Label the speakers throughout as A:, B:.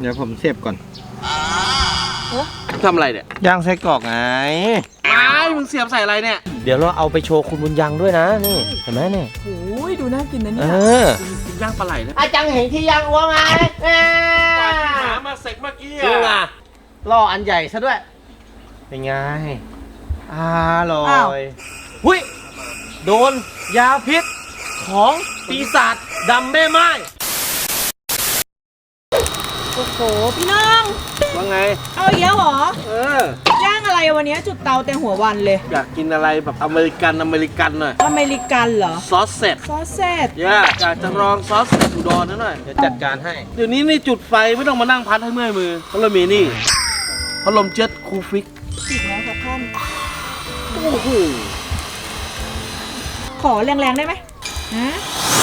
A: เดี๋ยวผมเสียบก่อน
B: ทำอะไรเนี่ย
A: ย่างไส้กรอกไง
B: มึงเสียบใส่อะไรเนี่ย
A: เดี๋ยวเราเอาไปโชว์คุณบุญยังด้วยนะนี่เห็นไหมเนี่ย
C: โอ้ยดูน่ากินนะเนี่ย
B: กินย่างปลาไหลนะ
A: อาจังเห็นที่ย่างอ้วงไง
B: หามาเสกเมื่อกี้
A: อ่ะล่ออันใหญ่ซะด้วยเป็นไงอร่อยหุ้ยโดนยาพิษของปีศาจดำแม่ไม้
C: โอ้โหพี่น้อง
B: ว่าไง
C: เอาอีกแล้วเหรอย่างอะไรวันนี้จุดเตาเต็มหัววันเลย
B: อยากกินอะไรแบบอเมริกันหน่อย
C: อเมริกันเหรอ
B: ซอสเสร็จอยากจะลองซอสเสร็จอุดรหน่อย
A: เดี๋ยวจัดการให้
B: เดี๋ยวนี้นี่จุดไฟไม่ต้องมานั่งพัดให้เมื่อยมือเพราะเรามีนี่พัดลมเจ็ตคูฟิก
C: ติดแล้วครับท่าน
B: โอ้โห
C: ขอแรงๆได้ไหมฮะ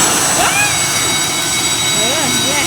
C: เนี่ย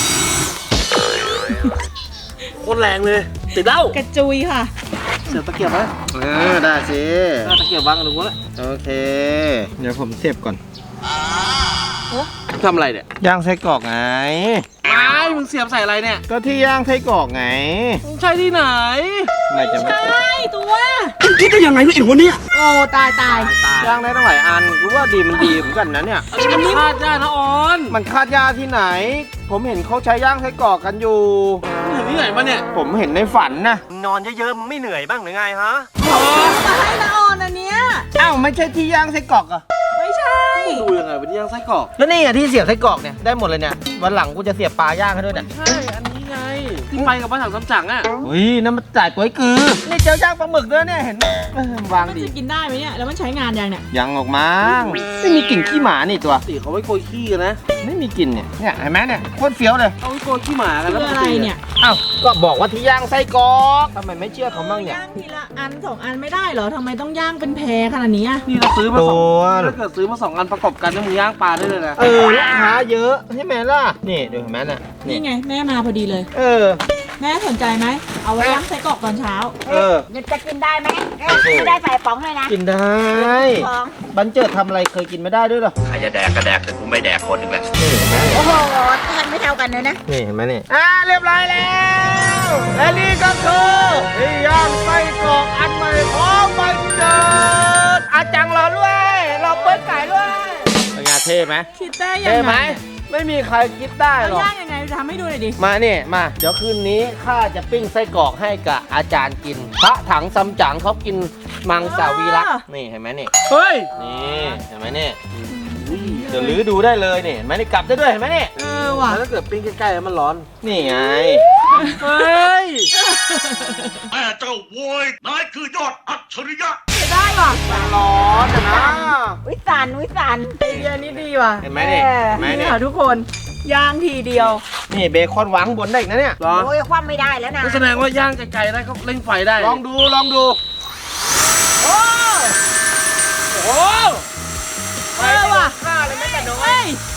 B: โคตรแรงเลยติดเล้าก
C: ระจุยค่ะ
B: เสียบตะเกียบไหม
A: ได้สิ
B: ตะเกียบวางกันดูวะ
A: โอเคเดี๋ยวผมเสียบก่อน
B: ทำอะไรเนี่ย
A: ย่างไส้กรอกไง
B: มึงเสียบใส่อะไรเนี่ย
A: ก็ที่ย่างไส้กรอกไง
B: ใช่ที่ไหน
A: ไม่ใ
C: ช่ตัว
B: คิดได้ยังไงเนี่ยไอ้คนนี้
C: โอ้ตาย
A: ย่างได้ตั้งหลายอันรู้ว่าดีมันดีเหมือนกันนะเนี่ย
B: มันคาดยานะออน
A: มันคาดยาที่ไหนผมเห็นเขาใช้ย่างไส้กรอกกันอยู่
B: เห็นที่ไหนมาเนี่ย
A: ผมเห็นในฝันนะนอนเยอะๆมึงไม่เหนื่อยบ้างหรือไงฮะ
C: มาให้ละออนอันเนี้ย
A: อ้าวไม่ใช่ที่ย่างไส้กรอกอะ
C: ไม่ใช่
B: ดูยังไงเป็นที่ย่างไส้กรอก
A: แล้วนี่อะที่เสียบไส้กรอกเนี่ยได้หมดเลยเนี่ยวันหลังกูจะเสียบปลาย่างให้ด้วยเนี่ย
B: ใช่อันนี้ไงที่ไปกับบ้านถังซ้ำจังอ่ะ
A: อุ้ยนั่นมันจ่ายก๋วยกือนี่เจ้าย่างปลาหมึกด้วยเนี่ยเห็นวางดี
C: มันจะกินได้ไหมเนี่ยแล้วมันใช้งานยังเนี่ย
A: ยังออกมาไม่มีกลิ่นขี้หมานี่ตัว
B: ตีเขาไว้โกยขี้กันนะ
A: ไม่มีกลิ่นเนี่ยเห็นไหมเนี่ยโคตรเฟี้ยวเลย
B: เอาไว้โกยขี้หมากันแล้ว
C: อะไรเนี่ย
A: อ้าวก็บอกว่าที่ย่างไส้กรอกทำไมไม่เชื่อเขาบ้างเนี่ย
C: ย่างทีละอัน2 อันไม่ได้เหรอทำไมต้องย่างเป็นแพรขนาดนี้
B: นี่เราซื้อมา2ถ้าเกิดซื้อมา2 อันประกอบกันเนี่ยมึงย่างปลาได้เลยนะ
A: ลูกค้าเยอะใช่ไหมล่ะนี่ดูเห็นไหมเนี่ย
C: นี่ไงแม่มาพอดีเลยแม่สนใจไหมเอาไว้ย่างไส้กรอกตอนเช้า
D: จะกินได้ไหมไม่ได้ใส่ป๋องเลยนะ
A: กินได้บันเจิดทำอะไรเคยกินไม่ได้ด้วยหรอ
E: ใครจะแดกก็แดกแต่กูไม่แดกคนหนึ่งแหละ
D: โอ้โหทานไม่เท่ากันเลยนะ
A: นี่เห็นไหมนี่เรียบร้อยแล้วและนี่ก็คือย่างไส้กรอกอันใหม่ของบันเจิดอาจังรอด้วยรอเปิ้ลไก่ด้วยเป็นไงเท่ไหม
C: คิดได้ยังไง
A: ไม่มีใครคิดได้หรอก
C: ย่างยังไงทำให้ดูหน่อยดิ
A: มาเนี่ยมาเดี๋ยวคืนนี้ข้าจะปิ้งไส้กรอกให้กับอาจารย์กินพระถังซัมจั๋งเขากินมังสวิรัตินี่เห็นไหมนี่
B: เฮ้ย
A: นี่เห็นไหมนี่เดี๋ยวลื้อดูได้เลยนี่เห็นไหมนี่กลับได้ด้วยเห็นไหมนี่
C: ว่ะ
B: ถ้าเกิดปิ้งใกล้ๆแล้วมันร้อน
A: นี่ไง
B: เฮ้ย
E: แม่เจ้าโวยนายคือยอดอัจฉริยะ
C: ได้ว่ะ
A: ร้อนนะ
D: วิสาน
C: ไอเดียนี้ดีว่ะ
A: เห็นไหมนี่
C: นี่ค่ะทุกคนย่างทีเดียว
A: นี่เบคอนวางบนได้อีกนะเนี่ย
D: โอ้ยคว่ำไม่ได้แล้วนะ
B: แสดงว่าย่างไกลๆได้เขาเร่งไฟได้
A: ลองดูโอ้
C: ไปว่ะ
A: ฆ่าเลยไม่แต่น้อย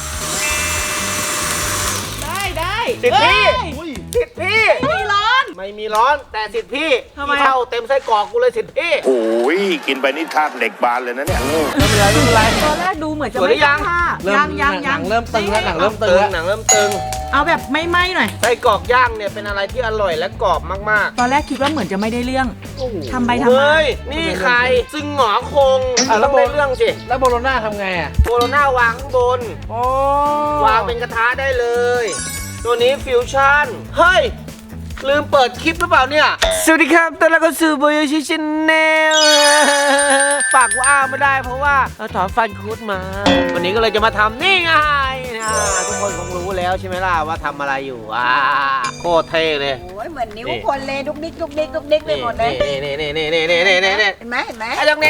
C: ได้
A: สิทธิ์พี่
C: ไม่มี
A: ร้อนแต่สิทธิ์พี่ที่เท่าเต็มไส้กรอกกูเลยสิทธิ์พี่
E: โอ้ยกินไปนี่ธาตุเหล็กบานเลยนะเนี่ย
A: ไม่เป็นไร
C: ตอนแรกดูเหมือนจะไม่ยัง
A: หนังเริ่มตึงแล้วหนังเริ่มตึง
C: เอาแบบไม่ไหม้หน่อย
A: ไส้กรอกย่างเนี่ยเป็นอะไรที่อร่อยและกรอบมาก
C: ๆตอนแรกคิดว่าเหมือนจะไม่ได้เรื่องทำไปทำมา
A: นี่ใครซึ่งหงอคงต้องได้เรื่องสิ
B: แล้วโบโลน่าทำไง
A: โบโลน่าวางข้างบนวางเป็นกระทะได้เลยตัวนี้ฟิวชั่นเฮ้ยลืมเปิดคลิปหรือเปล่าเนี่ยสวัสดีครับตอนแรกก็สื่อโบโยชิชแนลปากว่าไม่ได้เพราะว่าเราถอนฟันคุดมาวันนี้ก็เลยจะมาทำนี่ไงทุกคนคงรู้แล้วใช่ไหมล่ะว่าทำอะไรอยู่โคตรเท่เลย
D: โอ้ยเหมือนนิ้วคนเลยดุกดิกไปหมดเลย
A: นี่
D: เห็นไหม
A: น้องแดง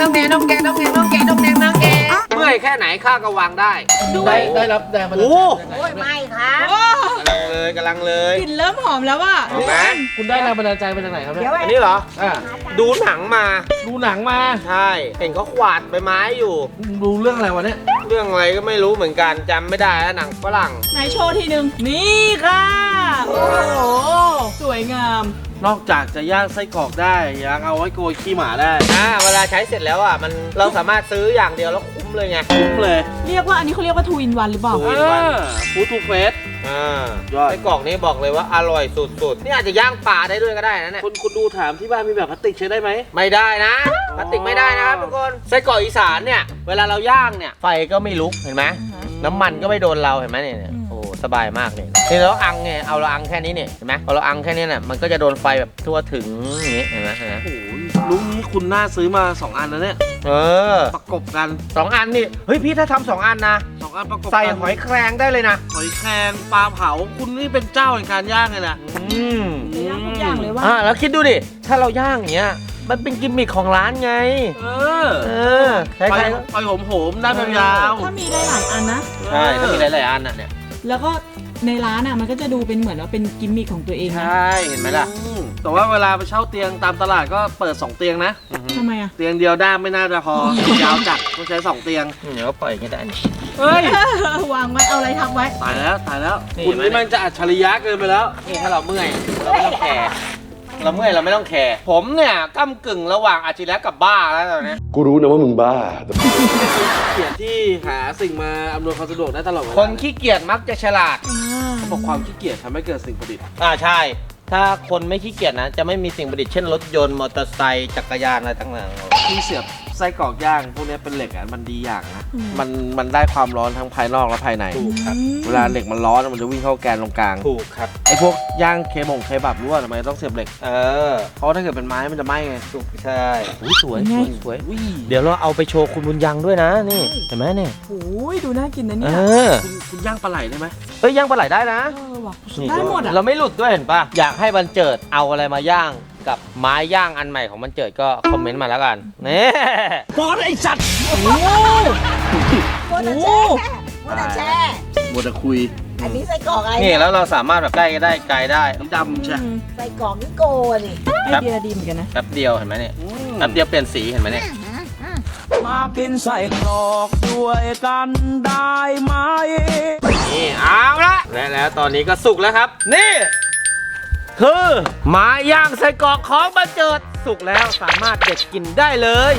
A: เมื่อยแค่ไหนข้าก็วางได้
B: ได้รับแรงมา
A: โอ้
D: ยไม่ครับ
A: กำลังเลย
C: กลิ่นเริ่มหอมแล้วว่ะ
B: คุณได้แรงบันดาลใจมาจากไหนครับเนี่ย
A: อันนี้เหรอดูหนังมาใช่เห็นเขาขวาดใบไม้อยู่
B: ดูเรื่องอะไรวะเนี่ย
A: เรื่องอะไรก็ไม่รู้เหมือนกันจำไม่ได้แล้วหนังฝรั่ง
C: ไหนโชว์ทีนึงนี่ค่ะโอ้โหสวยงาม
B: นอกจากจะย่างไส้กรอกได้ยังเอาไว้โกยขี้หมาได้
A: เวลาใช้เสร็จแล้วอ่ะเราสามารถซื้ออย่างเดียวแล้วคุ้มเลยไง
B: คุ้มเลย
C: เรียกว่าอันนี้เขาเรียกว่าทูอินวันหรือเปล่า
B: ฟู้ดทูเฟส ยอด
A: ไส้กรอกนี่บอกเลยว่าอร่อยสุดๆนี่อาจจะย่างปลาได้ด้วยก็ได้นะเนี่ย
B: คุณดูถามที่บ้านมีแบบพลาสติกใช้ได้ไหม
A: ไม่ได้นะพลาสติกไม่ได้นะครับทุกคนไส้กรอกอีสานเนี่ยเวลาเราย่างเนี่ยไฟก็ไม่ลุกเห็นไหมน้ำมันก็ไม่โดนเราเห็นไหมเนี่ยโอ้สบายมากเลยนี่เราอังเนี่ยเอาเราอังแค่นี้เนี่ยเห็นไหมพอเราอังแค่นี้เนี่ยมันก็จะโดนไฟแบบทั่วถึงอย่างนี้เห็นไหม
B: โอ้โหลุงนี้คุณน่าซื้อมา2 อันแล้วเนี่ย ประกบกัน
A: 2 อันนี่เฮ้ยพี่ถ้าทำ2 อันนะ
B: 2 อันประกบกัน
A: ใส่หอยแครงได้เลยนะ
B: หอยแครงปลาเผาคุณนี่เป็นเจ้าแห่งการย่างเลยนะ
C: จะย่างทุกอย่างเลยว่า
A: แล้วคิดดูดิถ้าเราย่างอย่างเงี้ยมันเป็นกิมมิคของร้านไงใช่
B: ไปโหมๆได้ยาว
C: ถ้ามีได้หลายอันนะ
A: ใช่ถ้ามีหลายๆอันน่ะเนี่ย
C: แล้วก็ในร้านอ่ะมันก็จะดูเป็นเหมือนว่าเป็นกิมมิคของตัวเอง
A: ใช
C: นะ
A: ่เห็นไหมล่ะ
B: แต่ว่าเวลาไปเช่าเตียงตามตลาดก็เปิด2 เตียงนะ
C: ทำไมอ่ะ
B: เตียงเดียวด้ามไม่น่าจะพอยาวจัดต้องใช้2 เตียง
A: เดี๋ยวก็ปล่อยอย่างนี้ได้นี่
B: เฮ้ย
C: วางไว้เอาอะไรทับไว้
B: ตายแล้ว
A: นี่
B: คุณนี่มันจะอัจฉริยะเกินไปแล้ว
A: นี่ถ้าเราเมื่อยเราไม่ต้องแคร์เราเมื่อยเราไม่ต้องแคร์ผมเนี่ยก้ำกึ่งระหว่างอาชีพแล้วกับบ้าแล้วตอนนี้
F: กูรู้นะว่ามึงบ้าแต่
B: เกียรติที่หาสิ่งมาอำนวยความสะดวกได้ตลอดเวลา
A: คนขี้เกียจมักจะฉลาด
B: เขาบอกความขี้เกียจทำให้เกิดสิ่งประดิษฐ์
A: ใช่ ถ้าคนไม่ขี้เกียจนะจะไม่มีสิ่งประดิษฐ์เช่นรถยนต์มอเตอร์ไซค์จักรยานอะไรต่างๆ
B: ที่เสียบไส้กรอกย่างพวกนี้เป็นเหล็กอ่ะมันดีอย่างนะมันได้ความร้อนทั้งภายนอกและภายใน
A: ถูกครับ
B: เวลาเหล็กมันร้อนมันจะวิ่งเข้าแกนตรงกลาง
A: ถูกครับ
B: ไอ้พวกย่างเคบับรู้ว่าทำไมต้องเสียบเหล็ก
A: อ
B: เพราะถ้าเกิดเป็นไม้มันจะไหม้ไง
A: ถูกใช่
B: สวย
C: ไง
B: สวย
A: เดี๋ยวเราเอาไปโชว์คุณบุญยังด้วยนะนี่เห็นไหมเนี่ย
C: โอ้ยดูน่ากินนะ
A: เอ
C: เนี่ย
B: คุณย่างปลาไหลได้ไหม
A: เฮ้ยย่างปลาไหลได้นะ
C: ว่ะ
A: นี่
C: ได้หมดอ่ะ
A: เราไม่หลุดด้วยเห็นปะอยากให้บันเจิดเอาอะไรมาย่างกับไม้ย่างอันใหม่ของบันเจิดก็คอมเมนต์มาแล้วกันนี่
C: โอ้โห
D: โมดแช่
B: บัวตะคุย
D: อันนี้ไส้กรอกอะไร
A: นี่แล้วเราสามารถแบบใกล้ก็ได้ไกลได้
B: น้ำดำใช่
D: ไส้กรอกนี่โกนี่
C: ไอเดียดีเหมือนกันนะ
A: แป๊บเดียวเห็นไหมเนี่ยแป๊บเดียวเปลี่ยนสีเห็นไหมเนี่ย
G: มากินใส่กรอกด้วยกันได้ไหม
A: นี่เอาละและแล้วตอนนี้ก็สุกแล้วครับ นี่ คือไม้ย่างไส้กรอกของบันเจิดสุกแล้วสามารถเด็ดกินได้เลย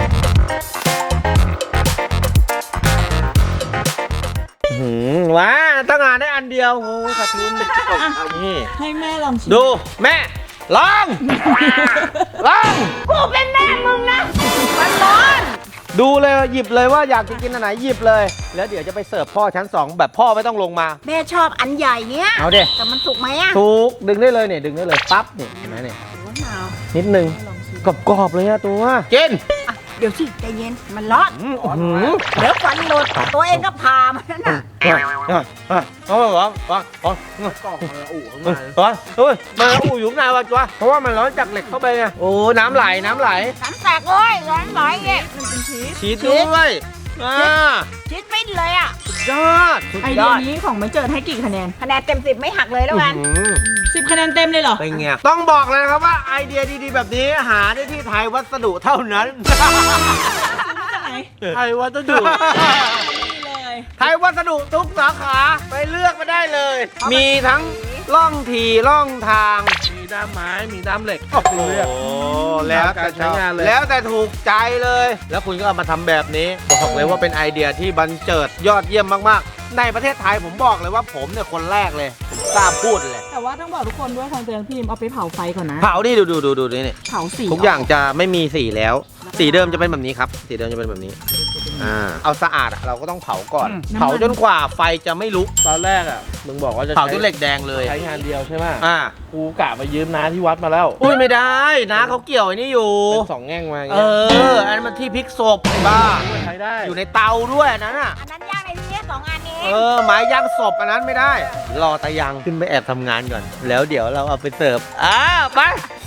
A: ว้าตั้งงานได้อันเดียวโอ้ยขาดทุนนี่
C: ให้แม่ลองชิม
A: ดูแม่ลองลอง
D: กูเป็นแม่มึงนะ มันร้อน
A: ดูเลยหยิบเลยว่าอยากจะกินอันไหนหยิบเลย แล้วเดี๋ยวจะไปเสิร์ฟพ่อชั้น 2 แบบพ่อไม่ต้องลงมา
D: แม่ชอบอันใหญ่เนี้ย
A: เอาเด็
D: แต่มันสุกไหมอ่ะ
A: ถูกดึงได้เลยเนี่ยดึงได้เลยปั๊บเนี่ยเห็นไหมเนี่ย
D: มะนาว
A: นิดนึงกรอบๆเลยอะตัวกิน
D: อ่ะเดี๋ยวสิใจเย็น มันร้อน เดี๋ยวฟันหลุดตัวเองก็พามันน่ะ
A: เอาไปวาง
B: กรอกมันอู่เข้ามา
A: เฮ้ยมันอู่อยู่ข้างในวะจ้ะเพราะว่ามันร้อนจากเหล็กเข้าไปไงโอ้น้ำไหล
D: น้ำแตกเลยร้อนไหลเนี่ย
A: ชีสด้วย
D: ชิดปิ้นเลยอ่ะ
A: ยอด
C: ไอเดียนี้ของมันเจิดให้กี่คะแนน
D: คะแนนเต็ม 10ไม่หักเลยแล้วกัน
C: 10 คะแนนเต็มเลยเหรอ
A: เป็นไงต้องบอกเลยนะครับว่าไอเดียดีๆแบบนี้หาได้ที่ไทยวัสดุเท่านั้น
B: ไทยวัสดุ
A: ไทยวัสดุทุกสาขาไปเลือกมาได้เลย มีทั้งล่องทีล่องทาง
B: มีด้ามไม้มีด้ามเหล็ก
A: โอ้โหแล้วแต่ชอบ
B: ใช้งานเลย
A: แล้วแต่ถูกใจเลย แล้วคุณก็เอามาทำแบบนี้บอกเลยว่าเป็นไอเดียที่บันเจิดยอดเยี่ยมมากๆ ในประเทศไทยผมบอกเลยว่าผมเนี่ยคนแรกเลยผมกล้าพูดเลย
C: แต่ว่าต้องบอกทุกคนด้วยทางเตือนพี่เอาไปเผาไฟก่อนนะ
A: เผาดิดูนี่
C: เผาสี
A: ทุกอย่างจะไม่มีสีแล้ว สีเดิมจะเป็นแบบนี้ครับ สีเดิมจะเป็นแบบนี้เอาสะอาดอะเราก็ต้องเผาก่อน เผาจนกว่าไฟจะไม่ลุก
B: ตอนแรกอ่ะมึงบอกว่าจะ
A: เผาจนเหล็กแดงเลย
B: ใช้งานเดียวใช่ไหม
A: กู
B: กูกะไปยืมน้าที่วัดมาแล้ว
A: อุ้ยไม่ได้นะเขาเกี่ยวไอ้นี่อยู่
B: เป็น2 แง่งมาอย่าง
A: เอ
B: เงี้ย
A: อันนั้นมันที่พลิกศพไอ้บ้า
B: ใช้ได้
A: อยู่ในเตาด้วยอันนั้นอ่ะ
D: อันนั้นย่างในที่นี้2 อันนี้
A: ไม้ย่างศพอันนั้นไม่ได้ รอตะยังขึ้นไปแอบทำงานก่อน แล้วเดี๋ยวเราเอาไปเสิร์ฟไป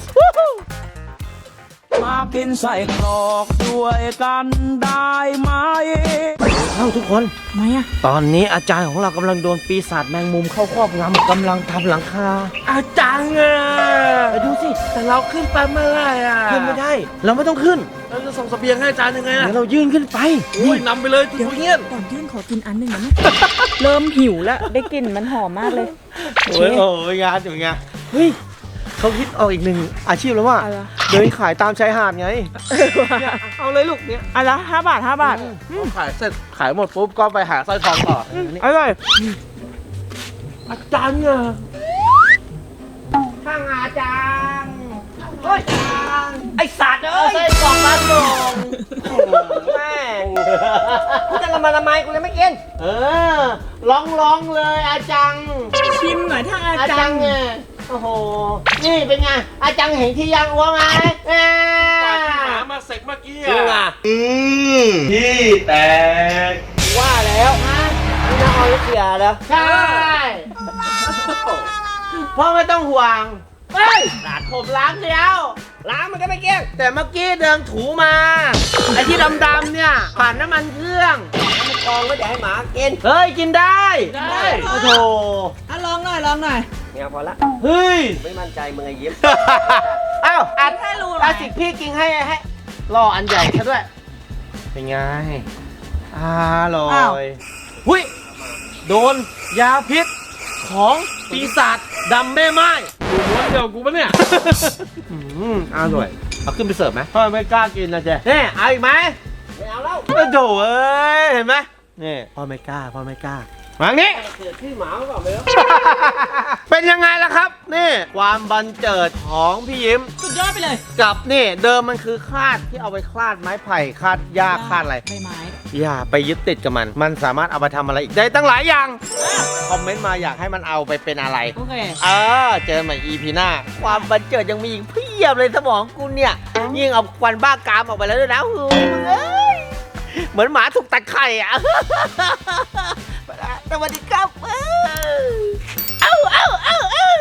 G: มากินใส่กรอกด้วยกันได้ไหม
A: เข้าทุกคน
C: ทำไมอะ
A: ตอนนี้อาจารย์ของเรากำลังโดนปีศาจแมงมุมเข้าครอบงำกำลังทำหลังคา
B: อาจารย์อ่ะ
A: ไปดูสิ
B: แต่เราขึ้นไปเมื่อไหร่อ่ะ
A: ขึ้นไม่ได้ เราไม่ต้องขึ้น
B: เราจะส่งเสบียงให้อาจารย์ยังไงอ่ะ
A: เดี๋ยวเรายื่นขึ้นไป
B: โอ้ยนำไปเลยทุกเงี้ยน
C: ก่อนยื่นขอกินอันหนึ่งนะ เริ่มหิวแล้วได้กลิ่นมันหอมมากเลย
A: โอ้ยงานอยู่ไงเฮ้ยเขาคิดออกอีกหนึ่งอาชีพแล้วว่า
C: อะไร
A: เดินขายตามชายหาดไงเนี่ยเอาเลยลูกเนี่ย
C: อันละ5 บาท 5 บาท
B: ขายเสร็จขายหมดปุ๊บก็ไปหาสร้อยทองต่อ
C: อร่อย
B: อาจารย์เนี่ย
A: ข้างอาจารย์
D: ไอสัตว์เอ้ย
A: ใส่กล่องร้านลงแม่ง
D: กูจะละมาละไมกูเลยไม่กิน
A: เออร้องเลยอาจัง
C: ชิมหน่อยถ้าอา
A: อา
C: จา
A: จั
C: รง ย์
A: เนี่ยโอ้โห นี่เป็นไง อาจังเห็นที่ยางอ้วงไหม
B: กว่าที่หมามาเสร็จเมื่อกี้
A: จริงอ่ะ
B: ที่แตก
A: ว่าแล้วนี่น้าออยเสียแล้วใช่พ่อไม่ต้องห่วงเฮ้ยผมล้างแล้วล้างมันก็ไม่เกี้ยงแต่เมื่อกี้เดินถูมา ไอ้ที่ดำๆเนี่ยผ่านน้ำมันเครื่อง
D: มันกองไว้เดี๋ยวให้หมากิน
A: เฮ้ย กินได้
C: ได้
A: โอ้โห
C: อ่ะลองหน่อยลองหน่อย
D: เนี่ยพอละ
A: เฮ้ย
D: ไม่มั่นใจมึงไอ้ยิ้ม
A: อ้าวอัด
C: ให้รู้หน่
A: อา
C: อย
A: สิพี่กินให้รออันใหญ่ซะด้วย เป็นไงอร่อยหุยโดนยาพิษของปีศาจดำแม่ไม้
B: ม้วนเดียวกูปะเนี่ย
A: อร่อย เอาขึ้นไปเสิร์ฟไหมพ่อไม่กล้ากินนะเจ๊นี่เอาอีกไหม
D: ไม่เอาแล้ว
A: โอ้โถเอ้ย เห็นไหมนี่พ่อไม่กล้ามาอย่างนี้
D: เกิดที่หมาหรือเปล่าไม่รู้
A: เป็นยังไงล่ะครับ นี่ความบันเจิดของพี่ยิ้ม
C: สุดยอดไปเลย
A: กับนี่เดิมมันคือคาดที่เอาไปคลาดไม้ไผ่คลาดหญ้าคลาดอะไร
C: ใบไม้
A: อย่าไปยึดติดกับมัน มันสามารถเอาไปทำอะไรอีกได้ตั้งหลายอย่าง คอมเมนต์มาอยากให้มันเอาไปเป็นอะไร
C: โอเค
A: เจอใหม่ EP หน้า ความบันเจิดยังมีอีกเพียบเลยสมองกูเนี่ย ยิ่งเอาควันบ้ากามออกไปแล้วด้วยนะเฮ้ยมึงเอ้ยเหมือนหมาถูกตัดไข่อ่ะ สวัสดีครับเอ้า